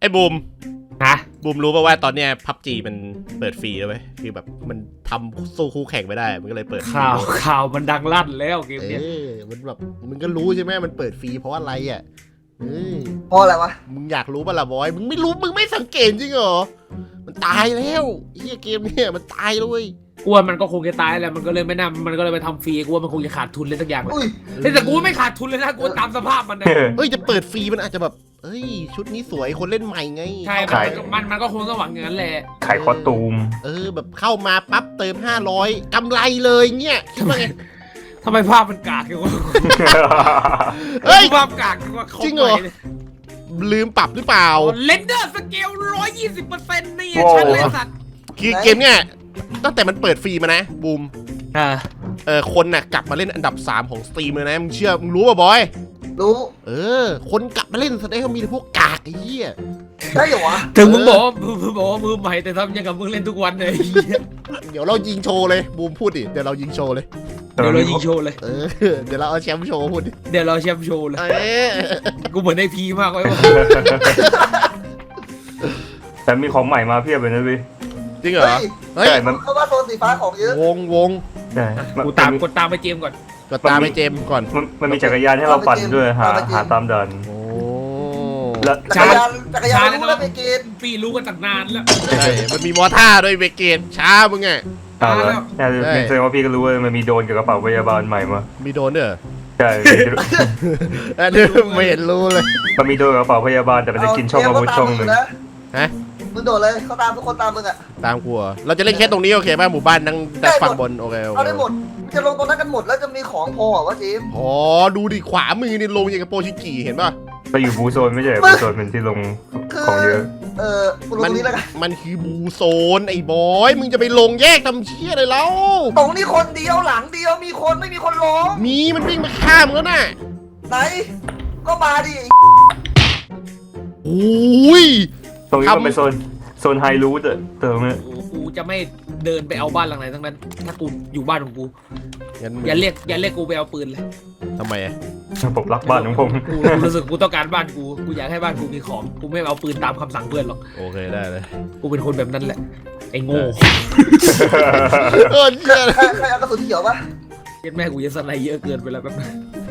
อ้บูมฮะบูมรู้ป่าวว่าตอนเนี้ยพับจีมันเปิดฟรีแล้วไหมคือแบบมันทำสู้คู่แข่งไม่ได้มันก็เลยเปิดข่าวมันดังลั่นแล้วเกมเนี้ยมันแบบมึงก็รู้ใช่ไหมมันเปิดฟรีเพราะอะไรอ่ะเพราะอะไรวะมึงอยากรู้ป่ะล่ะบอยมึงไม่รู้มึงไม่สังเกตจริงเหรอมันตายแล้วเฮียเกมเนี่ยมันตายเลยกลัวมันก็คงจะตายแหละมันก็เลยไม่น่ามันก็เลยไปทำฟรีกลัวมันคงจะขาดทุนเลยสักอย่างแต่กูไม่ขาดทุนเลยนะกูตามสภาพมันนะเฮ้ยจะเปิดฟรีมันอาจจะแบบเฮ้ยชุดนี้สวยคนเล่นใหม่ไงใช่มันก็คงต้องหวังอย่างนั้นแหละขายคอสตูมแบบเข้ามาปั๊บเติม500กำไรเลยเงี้ยคิดว่าไงทำไมภาพมันกากอยู่วะเฮ้ยภาพกากอยู่วะจริงเหรอลืมปรับหรือเปล่าเรนเดอร์สเกล 120%นี่ชัดเลยสัตว์คือเกมเนี้ยตั้งแต่มันเปิดฟรีมานะบูมคนน่ะกลับมาเล่นอันดับ3ของสตรีมเลยนะมึงเชื่อมึงรู้ป่ะบอยรู้คนกลับมาเล่นแสดงว่ามีแต่พวกกากไอ้เหี้ยได้เหรอวะถึงมึงบอกว่ามือใหม่แต่ทำยังกับมึงเล่นทุกวันเลยเดี๋ยวเรายิงโชว์เลยบูมพูดดิเดี๋ยวเรายิงโชว์เลยเดี๋ยวเรายิงโชว์เลยเดี๋ยวเราเอาแชมป์โชว์พูดดิเดี๋ยวเราแชมป์โชว์เลยกูเหมือนในพีมากเลยว่ะแต่มีของใหม่มาเพียบเลยนะพี่จริงเหรอเฮ้ยมันเพราะว่าโซนสีฟ้าของเยอะวงใช่กูกดตามไปเจมก่อนกดตามไปเจมก่อนมันมีจักรยานให้เราปั่นด้วยหาตามดันจักรยานรู้แล้วเบเกนปีรู้กันตั้งนานแล้วใช่มันมีมอท่าด้วยเบเกนช้ามึงไงแสดงว่าพี่ก็รู้ว่ามันมีโดนกับกระเป๋าพยาบาลใหม่มามีโดนเด้อใช่ไม่เห็นรู้เลยมันมีโดนกับกระเป๋าพยาบาลแต่มันจะกินช่องอาวุธช่องหนึ่งฮะมึงโดดเลยเขาตามทุกคนตามมึงอะตามกูเราจะเล่นแค่ตรงนี้โอเคป่ะหมู่บ้านนั่งฝั่งบนโอเคเอาได้หมดจะลงตรงนั้นกันหมดแล้วจะมีของพอวะจิมดูดิขวามือนี่ลงอย่างกับโปชิกิเห็นป่ะไปอยู่บูโซนไม่ใช่บูโซนเป็นที่ลงของเยอะกูลงตรงนี้แล้วกันมันคือบูโซนไอ้บอยมึงจะไปลงแยกทำเชี่ยเลยแล้วตรงนี้คนเดียวหลังเดียวมีคนไม่มีคนลงมันวิ่งมาข้ามแล้วน่ะไหนก็มาดิโอ้ยตรงนี้มันเป็นโซนไฮรูทเติมเนี่ยกูจะไม่เดินไปเอาบ้านหลังไหนทั้งนั้นถ้ากูอยู่บ้านของกูอย่าเรียกกูไปเอาปืนเลยทำไมผมรักบ้านของผมกูรู้สึกกูต้องการบ้านกูอยากให้บ้านกูมีของกูไม่เอาปืนตามคำสั่งเพื่อนหรอกโอเคได้เลยกูเป็นคนแบบนั้นแหละไอ้โง่ใครเอากระสุนเขียวปะเย็นแม่กูจะสไนเยอะเกินไปแล้วแบบ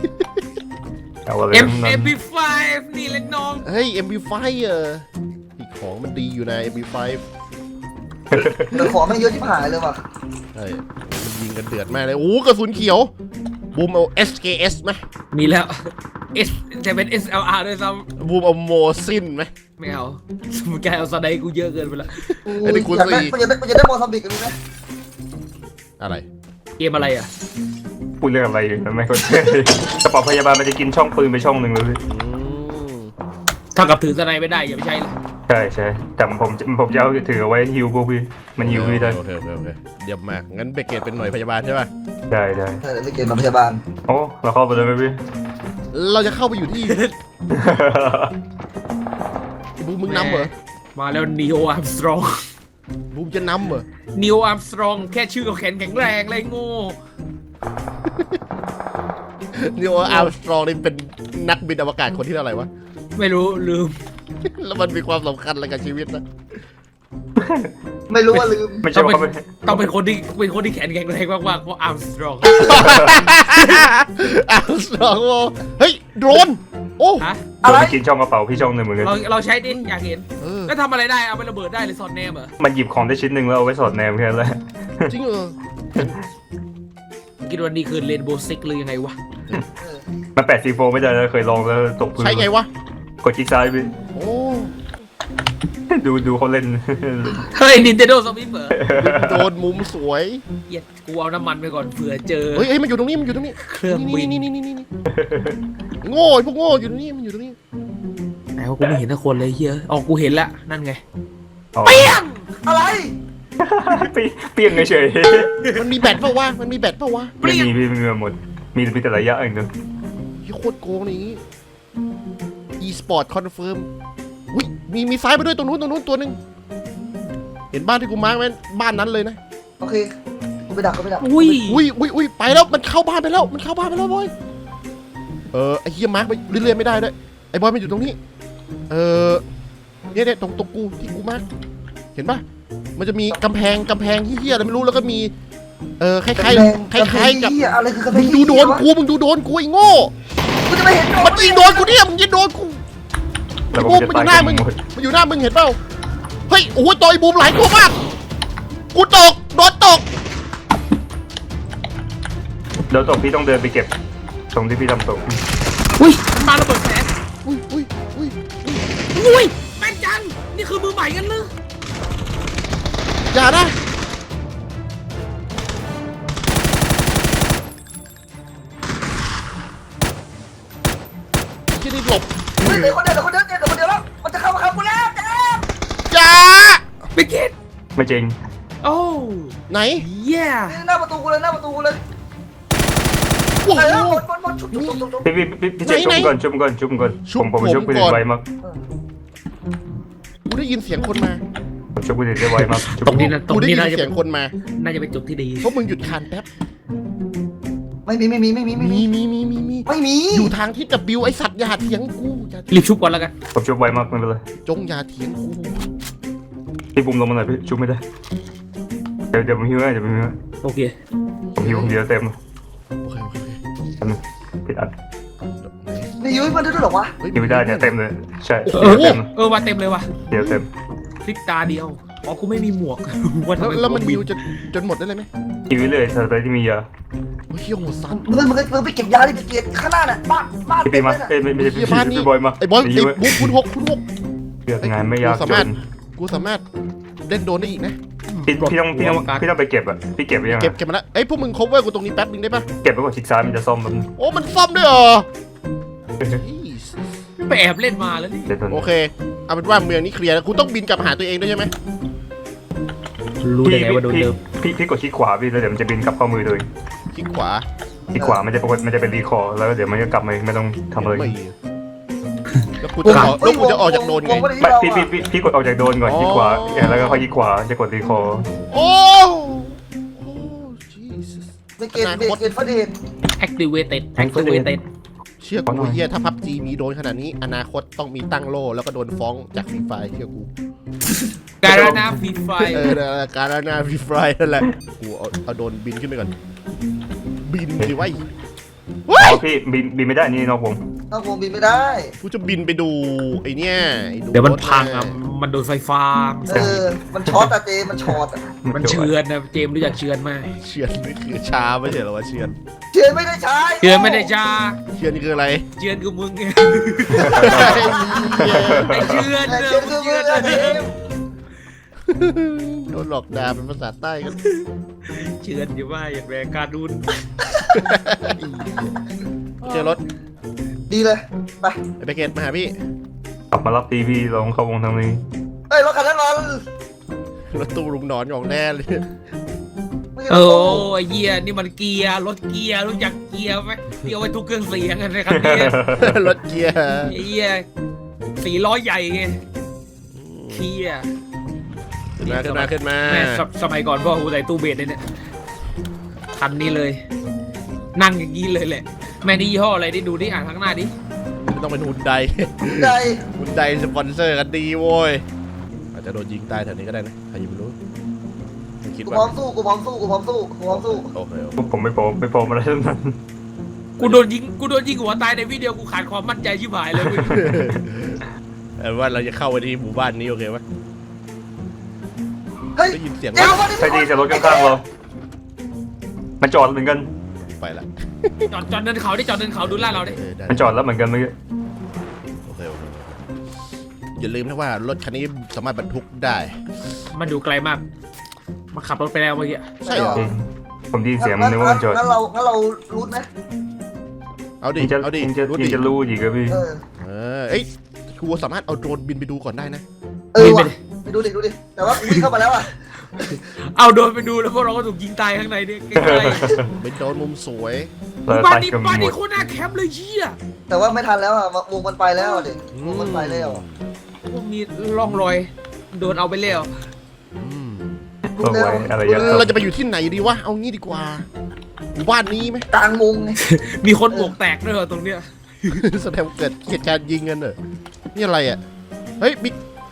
MP5 นี่เล็กน้องเฮ้ย MP5 อีกของมันดีอยู่นะ MP5 แต่ของไม่เยอะที่หายเลยว่ะใช่มันยิงกันเดือดมากเลยกระสุนเขียวบูมเอา SKS ไหมมีแล้ว S จะเป็น SLR ด้วยซ้ำบูมเอาโมซินไหมไม่เอาสมมติแกเอาสไนกูเยอะเกินไปแล้วไอ้ที่คุณสี่มันจะได้โมซัมบิกกันไหมอะไรเกมอะไรอ่ะพูดเรื่องอะไรไม่เข้าใจกระเป๋าพยาบาลมันจะกินช่องปืนไปช่องหนึ่งเลยถ้ากับถือสไนไม่ได้อย่าไปใช้เลยใช่แต่ผมจะเอาถือเอาไว้ฮิวพวกพี่มันฮิวพี่ได้โอเคเยี่ยมมากงั้นเบเกตเป็นหน่วยพยาบาลใช่ป่ะใช่เบเกตเป็นพยาบาลโอ้เราเข้าไปเลยไหมพี่เราจะเข้าไปอยู่ที่บูมมึงนำเหรอมาแล้วนีโออาร์มสตรองบูมจะนำเหรอนีโออาร์มสตรองแค่ชื่อก็แข็งแรงเลยโง่นีโออาร์มสตรองนี่เป็นนักบินอวกาศคนที่เท่าไหร่วะไม่รู้ลืมแล้วมันมีความสำคัญอะไรกับชีวิตนะไม่รู้ว่าลืมไม่ใช่ว่าต้องเป็นคนที่แข็งแรงมากๆเพราะอาร์มสตรองอาร์มสตรองเฮ้ยโดรนอะไรกินช่องกระเป๋าพี่ช่องหนึ่งเหมือนกันเราใช้ดิอยากเห็นแล้วทำอะไรได้เอาไประเบิดได้เลยสอดแนมเหรอมันหยิบของได้ชิ้นหนึ่งแล้วเอาไว้สอดแนมแค่นั้นแหละจริงเหรอคิดว่านี่คือเรนโบว์ซิกหรือยังไงวะมัน8 C4 ไม่ได้เคยลองแล้วตกพื้นใช่ไงวะกดคลิกซ้ายไปดูเขาเล่นเฮ้ย Nintendo Switch เหรอโดนมุมสวยเหี้ยกูเอาน้ำมันไปก่อนเผื่อเจอเฮ้ยมันอยู่ตรงนี้เครื่องบินนี่โง่พวกโง่อยู่ตรงนี้มันอยู่ตรงนี้ไหนว่ากูไม่เห็นทุกคนเลยเฮียกูเห็นแล้วนั่นไงเปี้ยงอะไรเปี้ยงเฉยมันมีแบตเปล่าวะไม่มีพี่มีหมดมีแต่ระยะเองนึงโคตรโกงนี่ e-sport confirm มีซ้ายไปด้วยตรงนู้นตัวนึงเห็นบ้านที่กูมาร์กไหมบ้านนั้นเลยนะโอเคกูไปดักอุ้ยไปแล้วมันเข้าบ้านไปแล้วบอยไอ้เหี้ยมาร์กไปเรื่อยๆไม่ได้ด้วยไอ้บอยมันอยู่ตรงนี้เนี่ยตรงกูที่กูมากเห็นปะมันจะมีกำแพงเฮี้ยอะไรไม่รู้แล้วก็มีคล้ายๆกับอะไรคือกระแพมึงงดูโดนกูไอ้โง่กูจะไม่เห็นมันยิงโดนกูเนี่ยมึงยิงโดนกูแล้วไอ้ผบูมมจะมันอตายยู่หน้ามึงกันหมดมันอยู่หน้ามึงเห็นเปล่าเฮ้ยโอ้โหต่อยบูมหลายตัวมากกูตกโดนตกเดี๋ยวตกพี่ต้องเดินไปเก็บตรงที่พี่ทำตกอุ้ยมันมาระเบิดแสงอุ้ยอุ้ยแม่นจังนี่คือมือใหม่กันเลยอย่านะที่นี่หลบเฮ้ยเดี๋ยวคนเดียวแล้วมันจะเข้ามากูแล้วเจ๊อย่าไม่คิดไม่จริงโอ้ไหนเย่หน้าประตูกูเลยโอ้โหหมดชุบพี่เจชุบก่อนผมชุบไปไวมากกูได้ยินเสียงคนมาผมชุบไปได้ไวมากตรงนี้นะตรงกูได้นี้ยินน่าจะเสียงคนมาน่าจะเป็นจุดที่ดีพวกมึงหยุดคานแป๊บไม่มีมีอยู่ทางที่จะบิวไอสัตว์อย่าเถียงกูอย่ารีบชุบก่อนแล้วกันผมชุบไวมากไม่เป็นไรจงอย่าเถียงกูพี่บุ้มลงมาหน่อยพี่ชุบไม่ได้เดี๋ยวผมหิวให้โอเคผมหิวเดียวเต็มโอเคผิดอันนี่ยุ้ยมันด้วยหรอวะหิวได้เนี่ยเต็มเลยใช่ว่าเต็มเลยว่ะเดียวเต็มพลิกตาเดียวอ๋อกูไม่มีหมวกว่าทำไมแล้วมันบิวจนหมดได้เลยไหมหิวเลยเธอตอนที่มียาโอ้ยเฮียโหดสัตว์มึงไปเก็บยาดิไปเก็บข้างหน้าน่ะบ้านพี่มาไม่ใช่เฮียบ้านนี้พี่บอยมาไอ้บอยไอ้บุ๊คคุณหกเลือกงานไม่ยากจนกูสามารถเล่นโดนได้อีกนะพี่ต้องไปเก็บอ่ะพี่เก็บไปยังเก็บมาแล้วเอ้ยพวกมึง cover กูตรงนี้แป๊บนึงได้ปะเก็บไปก่อนชิกซ้ายมันจะซ่อมมันโอ้มันซ่อมด้วยเหรอไปแอบเล่นมาแล้วนี่เดี๋ยวตอนโอเคเอาเป็นว่าเมืองนี้เคลียร์แล้วกูต้องบินกลับหาตัวเองด้วยใช่ไหมรู้ได้ไงว่าโดนเดิมพี่กดคลิกขวาพี่แล้วเดี๋ยวมันจะบินกลับเข้ามือเลยคลิกขวาคลิกขวามันจะเป็นรีคอร์แล้วเดี๋ยวมันก็กลับมาไม่ต้องทำอะไรแล้วกูจะออกจากโดนไงพี่กดออกจากโดนก่อนคลิกขวาแล้วก็ค่อยคลิกขวาจะกดรีคอร์โอ้ไปเก็บประเด็น activated เชื่อกูเฮียถ้าพับจีมีโดนขนาดนี้อนาคตต้องมีตั้งโล่แล้วก็โดนฟ้องจากฟรีไฟเชื่อกูการนาฟรีไฟการนาฟรีไฟนั่นแหละกูเอาโดนบินขึ้นไปก่อนบินดิวะอ๋อพี่บินไม่ได้นี่นอกวงน้องผมบินไม่ได้กูจะบินไปดูไอเนี้ยเดี๋ยวมันพังอ่ะมันโดนไฟฟ้ามันช็อตอะเจมันช็อตอะมันเชือนนะเจมรู้จักเชือนไหมเชือนนี่คือชาไม่ใช่เหรอวะเชือนเชื่อไม่ได้ใช้เชือนไม่ได้จ้าเชือนนี่คืออะไรเชือนคือมึงไงไอ้ไอเชือนเชื่อคือมือเจมโดนหลอกด่าเป็นภาษาใต้กันเชือนอยู่ว่าอย่างแรงการดุนเจอรถดีเลยไปไปเกตมาหาพี่กลับมารับตีพี่ลงเข้าวงทางนี้เอ้ยรถคันนั้นนอนรถตู้ลุงนอนของแน่เลยโอ้ยเหี้ยนี่มันเกียร์รถเกียร์รู้จักเกียร์ไหมเกียร์ไว้ทุกเครื่องเสียงกันในคันนี้รถเกียร์ไอ้เหี้ย400ใหญ่ไงเกียร์ขึ้นมาแม่สมัยก่อนพ่อกูใส่ตู้เบสเลยเนี่ยคันนี้เลย นั่งอย่างนี้เลยแหละแม่นี่ยี่ห้ออะไรดิดูดิอ่านข้างหน้าดิไม่ต้องเป็นหุ่นใดใจหุ่นใดสปอนเซอร์กันดีโว้ยอาจจะโดนยิงตายแถวนี้ก็ได้นะใครจะไม่รู้คิดกูว่าพร้อมสู้โอเคผมไม่โปรอะไรทั้งนั้นกูโดนยิงหัวตายในวิดีโอกูขาดความมั่นใจชิบหายเลยเว้ยว่าเราจะเข้าไปที่หมู่บ้านนี้โอเคไหมเฮ้ยได้ยินเสียงเจ้าวันนี้ใช่ดีจะรถข้างๆเรามันจอดเหมือนกันไปละจอดเดินเขาดิจอดเดินเขาดูล่าเราดิได้มันจอดแล้วเหมือนกันเมื่อกี้โอเคอย่าลืมนะว่ารถคันนี้สามารถบรรทุกได้มันดูไกลมากมาขับรถไปแล้วเมื่อกี้ใช่เหรอผมได้ยินเสียงมันนึกว่ามันจอดงั้นเรารูทไหมเอาดิจะเอาดิจะรู้อีกครับพี่เอ้ยกูสามารถเอาโดรนบินไปดูก่อนได้นะว่ะไปดูดิแต่ว่ากูวิ่งเข้ามาแล้วอ่ะเอาโดนไปดูแล้วพวกเราก็ถูกยิงตายข้างในนี่ใกล้เป็นโดรนมุมสวยๆบ้านนี้โคตรน่าแคมป์เลยเชี่ยแต่ว่าไม่ทันแล้วอ่ะวงมันไปแล้วดิวงมันไปแล้วพวกมีร่องรอยโดนเอาไปแล้วเอาไว้อะไรอย่างเงี้ยเราจะไปอยู่ที่ไหนดีวะ เอางี้ดีกว่าหมู่บ้านนี้ไหมกลางวงไงมีคนบวกแตกด้วยเหรอตรงเนี้ยแสดงเกิดเหตุการณ์ยิงกันเหรอนี่อะไรอ่ะ เฮ้ยบิ๊ก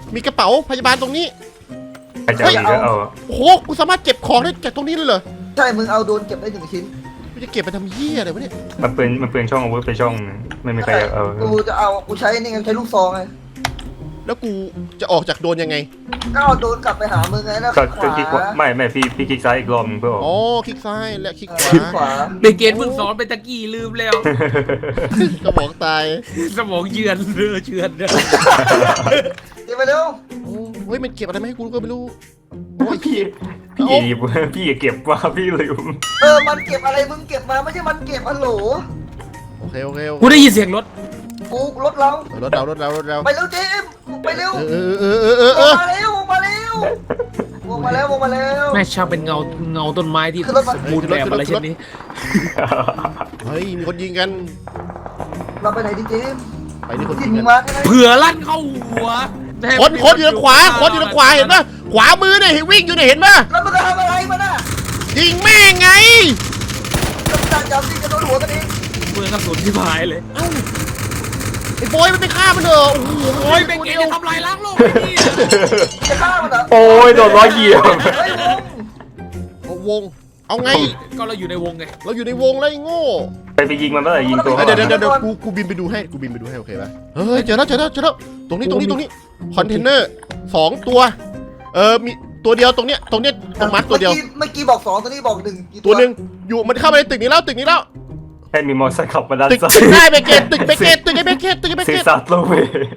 มีกระเป๋าพยาบาลตรงนี้ใครจะเอาอีกก็เอาโอ้โหกูสามารถเก็บของได้จากตรงนี้เลยเหรอใช่มึงเอาโดนเก็บได้1 ชิ้นกูจะเก็บไปทำเหี้ยอะไรวะเนี่ยมันเปลืองช่องอาวุธไปช่องนึงไม่มีใครอยากเอากูใช้นี่ไงใช้ลูกซองไงแล้วกูจะออกจากโดนยังไงก็เอาโดนกลับไปหามึงไงแล้วก็ขวาคลิกขวาไม่พี่คลิกซ้ายอีกรอบนึงเพื่อออกอ๋อคลิกซ้ายและคลิกขขวาวาในเกณฑ์เพิ่งสอนไปตะกี้ลืมแล้วกระบอกตายสมองเยือนเรือเชือนเรือเดี๋ยวไปเร็วโอ้เฮ้ยมันเก็บอะไรมาให้กูก็ไม่รู้โอ้ยพี่อย่าเก็บว่าพี่ลืมมันเก็บอะไรมึงเก็บมาไม่ใช่มันเก็บอันโหลโอเคโอเคกูได้ยินเสียงรถกูรถเรารถเราไปเร็วเจมไปเร็วเออมาเร็วมาเร็วมาแล้วแม่ช่างเป็นเงาต้นไม้ที่สมบูรณ์แบบอะไรเช่นนี้เฮ้ยมีคนยิงกันเราไปไหนดิเจมไปที่คนยิยิงงกันมาใช่ไหมเผื่อลั่นเข้าหัวคนอยู่ทางขวาคนอยู่ทางขวาเห็นปะขวามือเนี่ยเห็นวิ่งอยู่เนี่ยเห็นปะแล้วมึงจะทำอะไรมันอ่ะยิงแม่งไงจับสิจะโดนหัวกันเองเมืองกระสุนที่พายเลยไอ้บอยมันไปฆ่ามันเถอะโอ้โหโอ้ยเป็นเกณฑ์จะทำลายล้างโลกไอ้นี่จะฆ่ามันเหรอโอ้ยโดนล้อเหยียบเอาวงเอาไงก็เราอยู่ในวงไงเราอยู่ในวงแล้วไอ้โง่ไปยิงมันเมื่อไหร่ยิงตัวเดี๋ยวกูบินไปดูให้โอเคปะเฮ้ยเจอแล้วตรงนี้คอนเทนเนอร์2 ตัวมีตัวเดียวตรงเนี้ยตรงมาร์คตัวเดียวเมื่อกี้บอก2ตัวนี้บอก1กี่ตัวหนึ่งอยู่มันเข้ามาในตึกนี้แล้วแค่มีมอเตอร์ไซค์ขับมาด้านตึกซ้ายตึกได้เบเกตตึกไอเบเกตซีซัสโลเว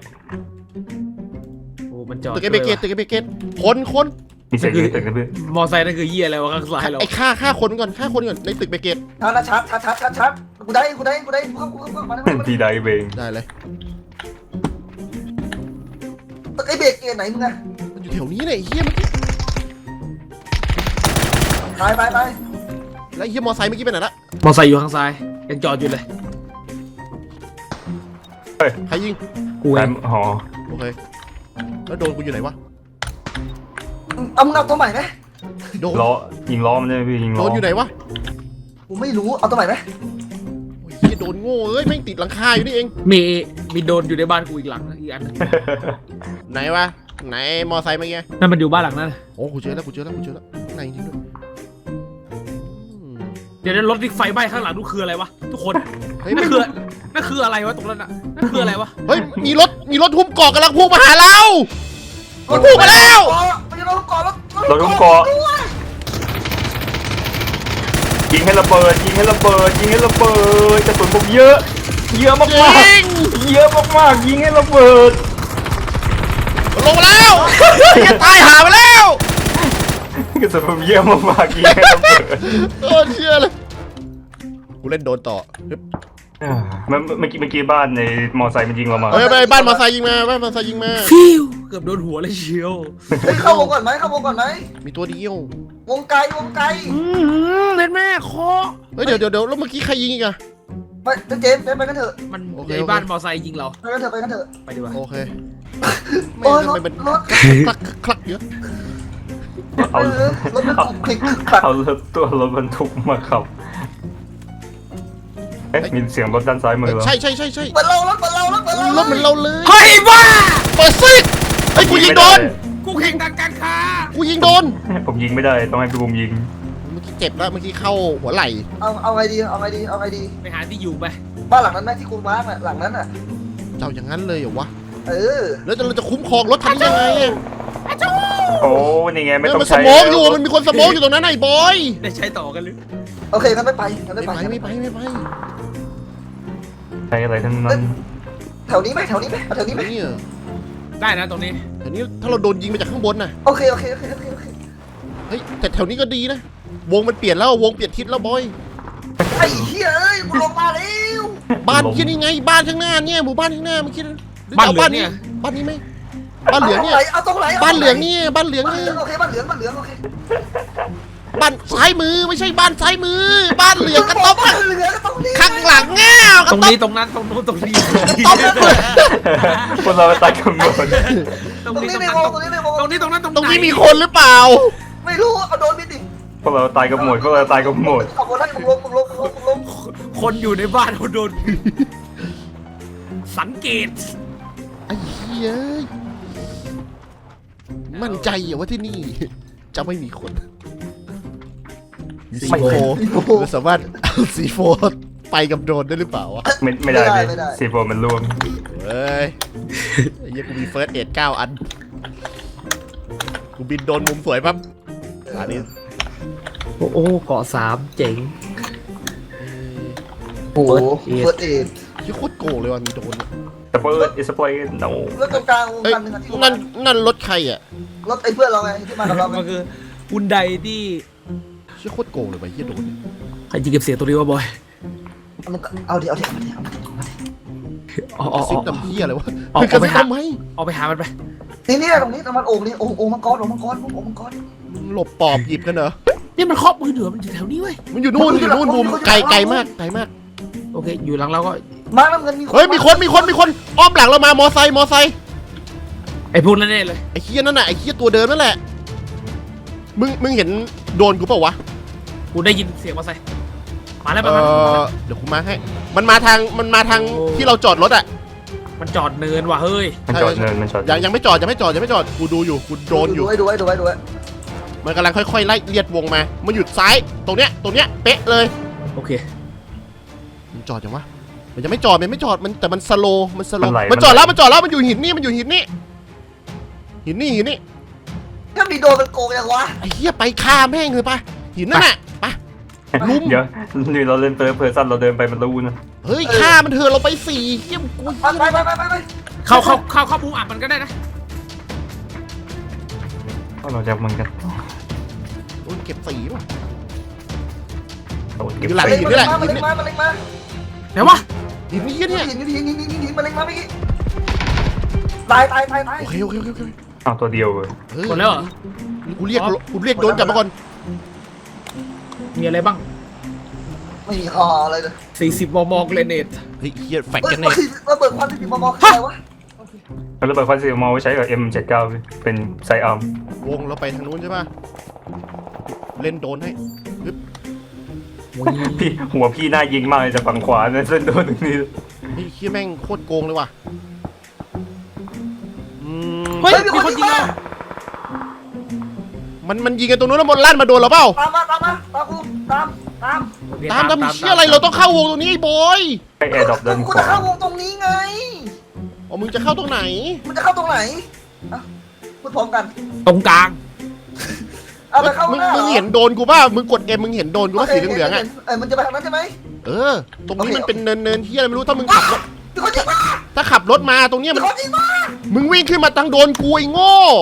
โอ้มันจอดตึกไอเบเกตคนมีเสียงยืนตึกนะเพื่อนมอไซค์นั่นคือเหี้ยอะไรวะข้างซ้ายเราไอ้ฆ่าคนก่อนในตึกเบเกตชัดกูได้เข้ามาพี่ได้เบงได้เลยไอ้เบรกเกไหนมึงอะมันอยู่แถวนี้เลยไอ้เฮียเมื่อกี้ไปแล้วไอ้เฮียมอไซค์เมื่อกี้ไปไหนละมอไซค์อยู่ข้างซ้ายยังจอดอยู่เลยใครยิงกูเอแต่งหอโอเคแล้วโดนกูอยู่ไหนวะเอามึงเอาตัวใหม่ไหมโดนล้อยิงล้อมันใช่ไหมพี่ยิงโดล้อนอยู่ไหนวะกูไม่รู้เอาตัวใหม่ไหมโอ้ยเฮียโดนโง่แม่งติดหลังคาอยู่นี่เองมีโดนอยู่ในบ้านกูอีกหลังนะอีกอันนึงไหนวะไหนมอไซค์เมื่อกี้นั่นมันอยู่บ้านหลังนั้นโอ้กูเจอแล้วไหนจริงด้วยเดี๋ยวรถที่ไฟไหม้ข้างหลังนู่นคืออะไรวะทุกคนเฮ้ยนั่นคืออะไรวะตรงนั้นน่ะนั่นคืออะไรวะเฮ้ยมีรถหุ้มเกาะกำลังพุ่งมาหาเรามันพุ่งมาแล้วมันจะโดนก่อนแล้วเราต้องเกาะยิงให้ระเบิดกระสุนผมเยอะมากจริงเยอะมากยิงให้ระเบิดลงมาแล้วจะตายหาไปแล้วกระสุนผมเยอะมากยิงให้ระเบิดโอ้เชื่อเลยกูเล่นโดนต่อเมื่อกี้บ้านในมอไซค์มันยิงเรามาเฮ้ยไปบ้านมอไซค์ยิงมาฟิวเกือบโดนหัวเลยเชียวเข้าวงก่อนไหมมีตัวเดียววงไกลเล่นแม่คอเฮ้ยเดี๋ยวแล้วเมื่อกี้ใครยิงอีกอะไปเจมไปกันเถอะมันโอเคในบ้านมอไซค์ยิงเราไปกันเถอะไปดีกว่าโอเคโอ้ยทำไมมันรถคลักเยอะเอารถมันถูกคลิกขัดเอารถบรรทุกมาขับมีเสียงรถด้านซ้ายมือเหรอใช่เปิดเรารถรถเหมือนเราเลยเฮ้ยบ้าเปิดซิกไอ้ยกูยิงโดนกูแข่งทางการค้ากูยิงโดนผมยิงไม่ได้ต้องให้พี่บุมยิงเมื่อกี้เจ็บแล้วเมื่อกี้เข้าหัวไหล่เอาไงดีไปหาที่อยู่ไปบ้านหลังนั้นไหมที่กูมาร์กหลังนั้นอ่ะเจ้าอย่างนั้นเลยเหรอวะแล้วเราจะคุ้มครองรถทันยังไงอะโอ้นี่ไงไม่ต้องมันสใช้มองอยู่มันมีคนสมองอยู่ตรงนั้นไอ้บอยได้ใช้ต่อกันหรือโอเคงั้นไม่ไปไม่ไปใช้อะไรทั้งนั้นแถวนี้ไหมเอาแถวนี้ไหมเนี่ยได้นะตรงนี้แถวนี้ถ้าเราโดนยิงมาจากข้างบนน่ะโอเคเฮ้ยแต่แถวนี้ก็ดีนะวงมันเปลี่ยนแล้ววงเปลี่ยนทิศแล้วบอยไอ้เหี้ยเอ้ยกูลงมาแล้วบ้านที่นี่ไงบ้านข้างหน้าเนี่ยหมู่บ้านข้างหน้าเมื่อกี้บ้านนี้ไหมบ้านเหลืองเนี่ยเอาตรงไหนบ้านเหลืองเนี่ยบ้านเหลืองบ้านเนี่เหลืยองโอเคบ้านเหลืองโอเคบ้านซ้ายมือไม่ใช่บ้านซ้ายมือ บ้านเหลืองกระต๊อบบ้านเหลืองก็ต้องนี่ข้างหลังเงี้ยกตระรงต๊อบนี้ตรงนั้นตรงนู้นตรงนี้พวกเราตายกันหมดตรงตรงนี้นี้ตรงในนั้นวงตรงนี้ตรงนั้นตรงตรงไหนนี้มีคนหรือเปล่าไม่รู้เอาโดนบินดิพวกเราตายกันหมดขับรถให้มึงลงคนอยู่ในบ้านเขาโดนสังเกตไอ้เหี้ยมั่นใจเหรอว่าที่นี่ จะไม่มีคนไม่โฟเราสามารถเอาซีโฟไปกับโดรนได้หรือเปล่าวะไม่ได้พี่ซีโฟมันรวมเฮ้ยไอ้เหี้ยกูมีเฟิร์สเอ็ด9 อัน กูบินโดนมุมสวยปั๊บอันนี้โอ้โหเกาะ3เจ๋งโอ้โหเฟิร์สเอดที่โคตรโกงเลยว่ะมีโดรนอะสเปิร์ตสเปรย์โนรถตรงกลางวงเอ้ยการหนึ่งอะที่นั่นรถใครอ่ะรถไอ้เพื่อนเราไงที่มากับเราไงมันคือฮุนไดที่ที่โคตรโกงเลยว่ะเหี้ยโดรนเนี่ยใครจะเก็บเสียงตัวนี้วะบอยมันก็เอาดิเอาดิอ๋อซิปดำเหี้ยอะไรวะเอาคือกระไปซิบหาทำไมเอาไปหามันไปนี่ตรงนี้ตรงมันโอ่งนี่โอ่งมังกรโอ่งมังกรโอ่งมังกรหลบปอบหยิบกันเหรอนี่มันครอบมือเหนือมันอยู่แถวนี้เว้ยมันอยู่นู่นอยู่นู่นมุมไกลมากไกลมากโอเคอยู่หลังเราก็มาน้ำเงินมีเฮ้ยมีคนอ้อมหลังเรามามอไซค์ไอ้พวกนั้นแน่เลยไอ้เคียนั่นน่ะไอ้เคียตัวเดิมนั่นแหละมึงเห็นโดนกูเปล่าวะกูได้ยินเสียงมาใส่มาแล้วเอมาเดี๋ยวกูมาให้มันมาทางที่เราจอดรถอ่ะมันจอดเนินว่ะเฮ้ยมันจอดเนินมันจอดยังไม่จอดกูดูอยู่กูโดนอยู่ดูไว้มันกำลังค่อยๆไล่เลียดวงมามันหยุดซ้ายตรงเนี้ยเป๊ะเลยโอเคมันจอดยังวะมันยังไม่จอดมันแต่มันสโลว์มันจอดแล้วมันอยู่หินนี่หินนี่ถ้ามีโดนมันโกงยังวะไอ้เหี้ยไปฆ่าแม่งเลยปะหินนั่นน่ะไป ลุมเดี๋ยวนี่เราเล่นเพอร์ซันเราเดินไปมันรู้นะเฮ้ยฆ่ามันเถอะเราไป4เหี้ยกูไปเข้ามุมอับมันก็ได้นะเราจะมันกันโดนเก็บ4ป่ะเราเก็บอยู่หลังไปหินนี่แหละมาเล็งมาไหนวะหินนี่เนี่ยหินมาเล็งมาเมื่อกี้ตายโอเคอ้าวตัวเดียวเลยเฮ้ยหมดแล้วเหรอกูเรียกโดนกลับมาก่อนมีอะไรบ้างไม่มีคออะไรเลย 40 มมเกรเนตเฮ้ยเฮียแฟกเฮ้ยกันเนี่ยระเบิดควันที่มอคืออะไรวะแล้วระเบิดควันสีมอไว้ใช้กับ M79 เป็นไซอาร์มวงเราไปทางนู้นใช่ป่ะเล่นโดนให้ฮึบพี่หัวพี่น่ายิงมากเลยจากฝั่งขวาเนี่ยเส้นโดนตรงนี้เฮ้ยเฮียแม่งโคตรโกงเลยว่ะเฮ้ยมีคนยิงเรามันยิงกันตรงนู้นแล้วมันลั่นมาโดนเราเปล่าตามกูตามตามเชี่ยอะไรเราต้องเข้าวงตรงนี้ไอ้บอยไอแอร์ดรอปด้านกูขจะวาเข้าวงตรงนี้ไงอ๋อมึงจะเข้าตรงไหนมันจะเข้าตรงไหนพูดพร้อมกันตรงกลางเอาไปเข้ามึงเห็นโดนกูป่ะมึงกดเอ็มมึงเห็นโดนกูป่ะสีเหลืองๆอ่ะมันจะไปทางนั้นใช่ไหมตรงนี้มันเป็นเนินเฮียอะไรไม่รู้ถ้ามึงขับรถมีคนยิงมาถ้าขับรถมาตรงเนี้ยมีมันคนยิงมามึงวิ่งขึ้นมาทางโดนกูไอ้โง่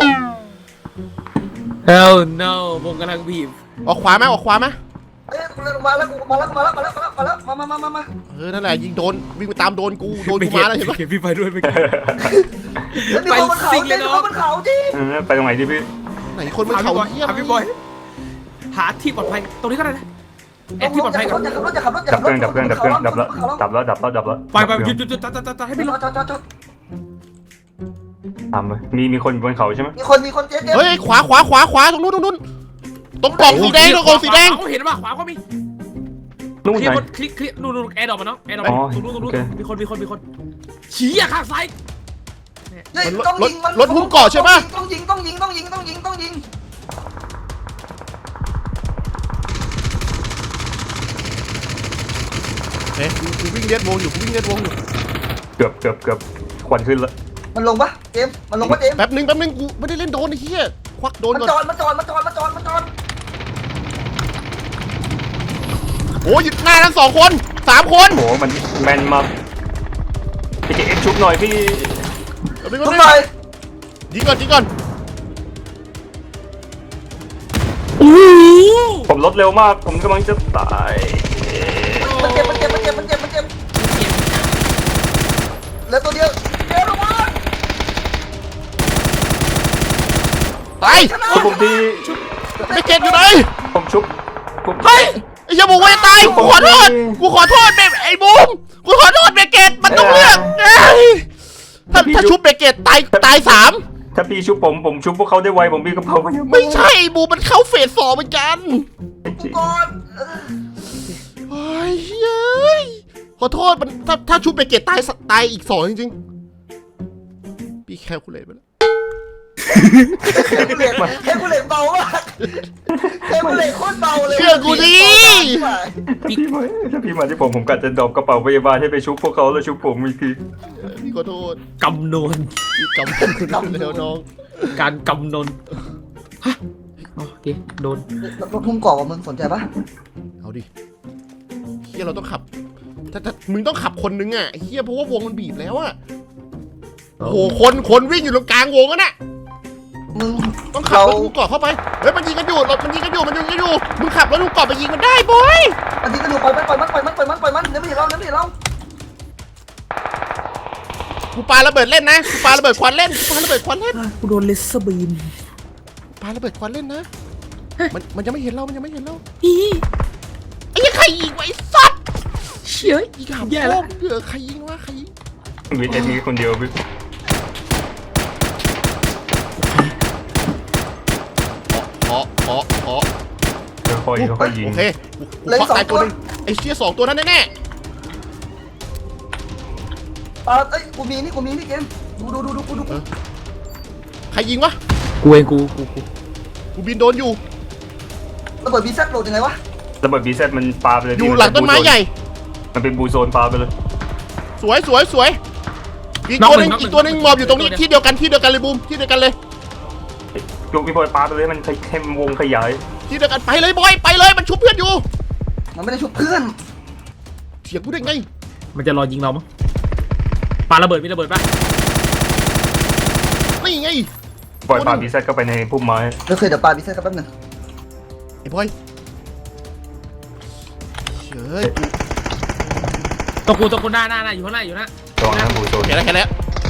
Hell no วงกำลังบีบออกขวามาเอ้ยมาแล้วมานั่นแหละยิงโดนวิ่งไปตามโดนกูมาแล้วเห็นปะเห็นพี่ไปด้วยเมื่อกี้แล้วมีคนบนเขาจริงมีคนบนเขาจริงไปตรงไหนดีพี่ไหนคนมันเขาเหี้ยพี่บอยหาที่ปลอดภัยตรงนี้ก็ได้นะแอดที่ปลอดภัยก่อนจะขับรถดับเครื่องดับแล้วไปหยุดตัดให้พี่รอจอดตามไปมีคนบนเขาใช่ไหมมีคนเจ๊เฮ้ยขวาตรงนู้นตรงกล่องสีแดงตรงกล่องสีแดงเขาเห็นป่ะขวาก็มีนู่นคลิไหนปคลิปนู่นแอร์ดรอปมาเนาะแอร์ดรอปอ๋อตรงนู้นโอเคมีคนชี้อ่ะข้างซ้ายรถหุ้มเกาะใช่ปะต้องยิงเฮ้ยกูวิ่งเลียดวงอยู่เกือบควันขึ้นแล้วมันลงปะเจมมันลงปะเจมแป๊บนึงกูไม่ได้เล่นโดนไอ้เหี้ยควักโดนมันก่อนจอดโอ้ยหน้าทั้ง2 คน 3 คนโหมันแมนมากพี่เจ๊ชุบหน่อยพี่ทุกหน่อยยิงก่อนโอ้ผมลดเร็วมากผมกำลังจะตายมันเจ็บแล้วตัวเดียวเจมลงมาตายชุบผมทีไม่เก็ตอยู่ไหนผมชุบผมเฮ้ยไอ้เหี้ยบอกว่าจะตายกูขอโทษไอ้บูมกูขอโทษเบเกตมันต้องเลือกถ้าชุบเบเกตตาย3 ถ้าพี่ชุบผมชุบพวกเขาได้ไวผมมีกระเพราไปเยอะไม่ใช่บูมมันเข้าเฟส 2เหมือนกันก่อนเฮ้ยขอโทษมันถ้าชุบเบเกตตายอีก2จริงๆพี่แคลคูลเลตไปแล้วกูเหล็กแค่กูเหล็กเบามากแค่กูเหล็กโคตรเบาเลยเชื่อกูดิพี่มาถ้าพี่มาที่ผมกัดจะดรอปกระเป๋าพยาบาลให้ไปชุบพวกเขาแล้วชุบผมอีกทีพี่ขอโทษกำนวนพี่กำผมแล้วน้องการกำนนฮะโอเคโดนรถทุ่มกรอบมึงสนใจปะเอาดิเฮียเราต้องขับถ้ามึงต้องขับคนนึงอ่ะเฮียเพราะว่าวงมันบีบแล้วอ่ะโอ้โหคนวิ่งอยู่ตรงกลางวงอ่ะน่ะมึงต้องขับรถลูกกรอบเข้าไปเฮ้ยมันยิงกันอยู่รถมันยิงกันอยู่มึงขับรถลูกกรอบไปยิงมันได้บอยอันนี้ก็ดูปล่อยมันเดี๋ยวไม่เห็นเรากูปาระเบิดเล่นนะกูปาระเบิดควันเล่นกูโดนเลเซอร์บีมปาระเบิดควันเล่นนะมันยังไม่เห็นเรามันยังไม่เห็นเราอีไอ้ยังใครยิงวะไอ้สัตว์เชี่ยยิงขับแย่แล้วใครยิงวะใครยิงวิทย์ไอ้นี่คนเดียวพี่ขอค่อยๆยิงโอเคกูเคาะตายตัวนึงไอ้เชี่ย2ตัวนั้นแน่เอ้ยกูมีนี่เกมดูใครยิงวะกูเองกูกูบินโดนอยู่ระเบิดบีแซดโหลดยังไงวะระเบิดบีเซตมันปาไปเลยอยู่หลังต้นไม้ใหญ่มันเป็นบูโซนปาไปเลยสวยอีกตัวหนึงหมอบอยู่ตรงนี้ที่เดียวกันเลยบูมที่เดียวกันเลยยกพี่บอยปาไปเลยมันเข้มวงขยายที่เดียวกันไปเลยบอยไปเลยมันชุบเพื่อนอยู่มันไม่ได้ชุบเพื่อนเถียงกูได้ไงมันจะรอยิงเรามั้งปาระเบิดมีระเบิดปะนี่ไงบอยปาบีเซตเข้าไปในพุ่มไม้เดี๋ยวปาบีแซดกันแป๊บนึงไอ้บอยเฮ้ยตะกูหน้าอยู่ข้างหน้าอยู่นะระวังนะบูโซนเห็นแล้ว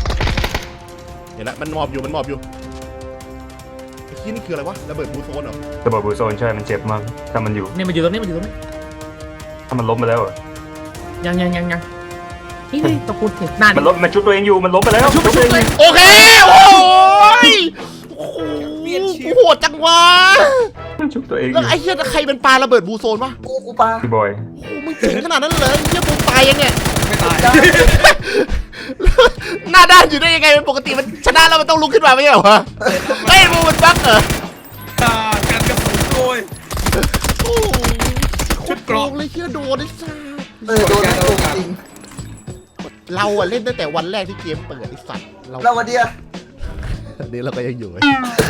มันหมอบอยู่ไอ้ที่นี่คืออะไรวะระเบิดบูโซนเหรอระเบิดบูโซนใช่มันเจ็บมากถ้ามันอยู่เนี่ยมันอยู่ตรงนี้ถ้ามันล้มไปแล้วอะยังนี่ตะกูเห็นหน้ามันล้มมันชุบตัวเองอยู่มันล้มไปแล้วชุบตัวเองโอเคโอ้โหจังวะชุบตัวเองอแล้วยู่ไอ้เหี้ยใครเป็นปลาระเบิดบูโซนวะกูปาพี่บอยโอ้มึงเก่งขนาดนั้นเลยเหี้ยบูมตายยังเนี่ยไม่ตายหน้าด้านอยู่ได้ยังไงเป็นปกติมันชนะแล้วมันต้องลุกขึ้นมาไม่ใช่เหรอวะเฮ้ยบูมมันบั๊กเหรอการกระสุนโดยโอ้โหชุดเกราะโเลยเหี้ยโดนไอ้สัสโดนจริงเราอะเล่นตั้งแต่วันแรกที่เกมเปิดไอ้สัตว์เราวันเดียวอันนี้เราก็ยังอยู่ไอ้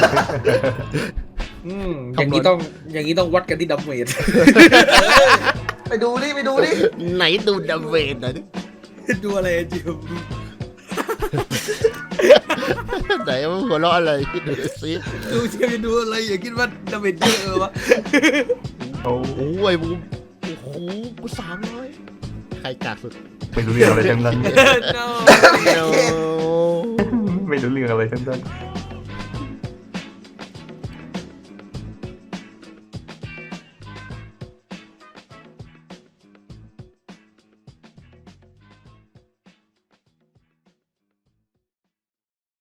อย่างนี้ต้องวัดกันที่ดัมเมจไปดูดิไหนดูดาเมจหน่อยดิดูอะไรจิ๋วไหนมันหัวเราะอะไรดูสิดูเชียร์ดูอะไรอย่าคิดว่าดัมเมจเยอะวะโอ้โอ้ยบูมโอ้โหกู300ใครกากสุดไม่รู้เรื่องอะไรทั้งนั้น no โอ้ไม่รู้เรื่องอะไรทั้งนั้น